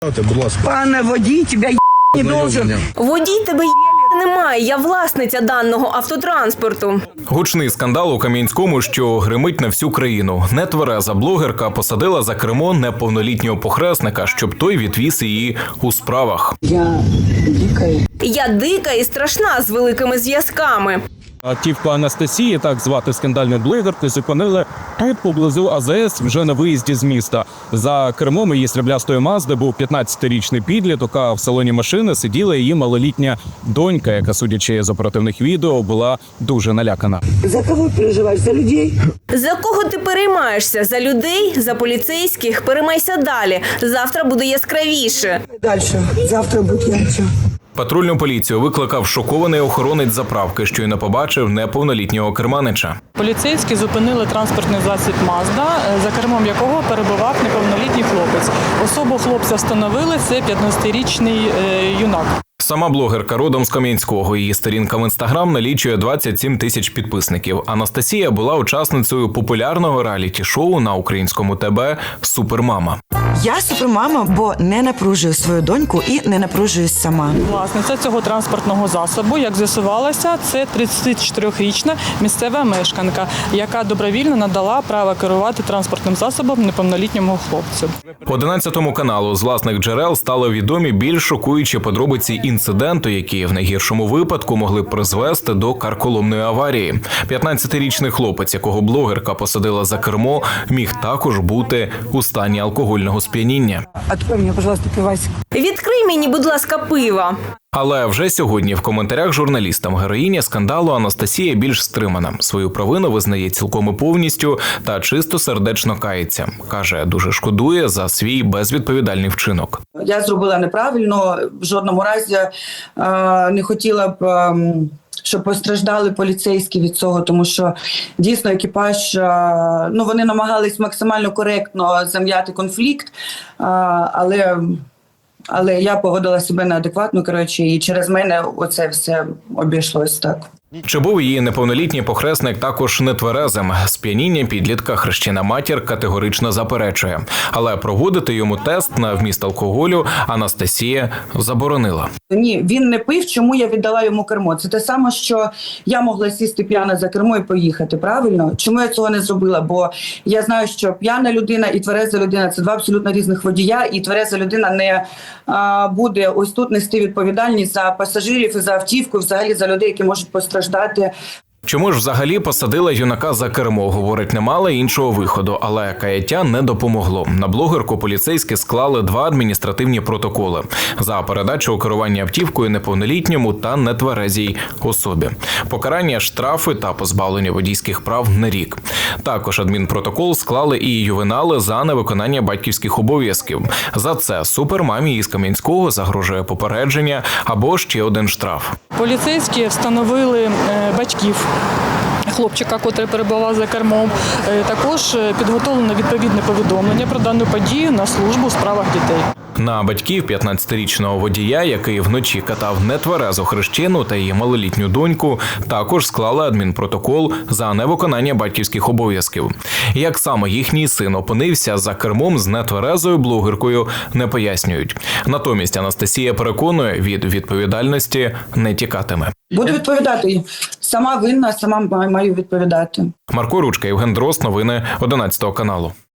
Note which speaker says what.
Speaker 1: Будь ласка.
Speaker 2: Пане водій, тебе не должен.
Speaker 3: Водій, тебе немає, я власниця даного автотранспорту.
Speaker 4: Гучний скандал у Кам'янському, що гримить на всю країну. Нетвереза блогерка посадила за кермо неповнолітнього похресника, щоб той відвіз її у справах.
Speaker 3: Я дика і страшна з великими зв'язками.
Speaker 5: Автівку Анастасії, так звати скандальну блогерку, зупинили тут поблизу АЗС вже на виїзді з міста. За кермом її сріблястої Мазди був 15-річний підліток, а в салоні машини сиділа її малолітня донька, яка, судячи з оперативних відео, була дуже налякана.
Speaker 2: За кого переживаєш? За людей?
Speaker 3: За кого ти переймаєшся? За людей? За поліцейських? Переймайся далі. Завтра буде яскравіше.
Speaker 2: Дальше. Завтра буде ярче.
Speaker 4: Патрульну поліцію викликав шокований охоронець заправки, щойно побачив неповнолітнього керманича.
Speaker 6: Поліцейські зупинили транспортний засіб «Мазда», за кермом якого перебував неповнолітній хлопець. Особу хлопця встановили – це 15-річний юнак.
Speaker 4: Сама блогерка родом з Кам'янського. Її сторінка в Інстаграм налічує 27 тисяч підписників. Анастасія була учасницею популярного реаліті-шоу на українському ТБ «Супермама».
Speaker 7: Я супермама, бо не напружую свою доньку і не напружуюсь сама.
Speaker 6: Власниця цього транспортного засобу, як з'ясувалося, це 34-річна місцева мешканка, яка добровільно надала право керувати транспортним засобом неповнолітньому хлопцю.
Speaker 4: 11 каналу з власних джерел стали відомі більш шокуючі подробиці інциденту, які в найгіршому випадку могли б призвести до карколомної аварії. 15-річний хлопець, якого блогерка посадила за кермо, міг також бути у стані алкогольного сп'яніння.
Speaker 2: Открой мені, пожалуйста, пивасик.
Speaker 3: Відкрий мені, будь ласка, пива.
Speaker 4: Але вже сьогодні в коментарях журналістам героїня скандалу Анастасія більш стримана. Свою провину визнає цілком і повністю та чисто сердечно кається. Каже, дуже шкодує за свій безвідповідальний вчинок.
Speaker 8: Я зробила неправильно, в жодному разі не хотіла б, щоб постраждали поліцейські від цього, тому що дійсно екіпаж, вони намагались максимально коректно зам'яти конфлікт, але я поводила себе неадекватно, і через мене оце все обійшлось так.
Speaker 4: Чи був її неповнолітній похресник також нетверезим? Сп'яніння підлітка хрещена матір категорично заперечує. Але проводити йому тест на вміст алкоголю Анастасія заборонила.
Speaker 8: Ні, він не пив, чому я віддала йому кермо. Це те саме, що я могла сісти п'яна за кермо і поїхати, правильно? Чому я цього не зробила? Бо я знаю, що п'яна людина і твереза людина – це два абсолютно різних водія, і твереза людина не буде ось тут нести відповідальність за пасажирів і за автівку, і взагалі за людей, які можуть постраждати.
Speaker 4: Чому ж взагалі посадила юнака за кермо? Говорить, не мала іншого виходу, але каяття не допомогло. На блогерку поліцейські склали 2 адміністративні протоколи за передачу у керування автівкою неповнолітньому та нетверезій особі. Покарання, штрафи та позбавлення водійських прав на рік. Також адмінпротокол склали і ювенали за невиконання батьківських обов'язків. За це супермамі із Кам'янського загрожує попередження або ще один штраф.
Speaker 6: Поліцейські встановили батьків хлопчика, котрий перебував за кермом. Також підготовлено відповідне повідомлення про дану подію на службу у справах дітей.
Speaker 4: На батьків 15-річного водія, який вночі катав нетверезу хрещену та її малолітню доньку, також склали адмінпротокол за невиконання батьківських обов'язків. Як саме їхній син опинився за кермом з нетверезою блогеркою, не пояснюють. Натомість Анастасія переконує, від відповідальності не тікатиме.
Speaker 8: Буду відповідати. Сама винна, сама маю відповідати.
Speaker 4: Марко Ручка, Євген Дрозд, новини 11 каналу.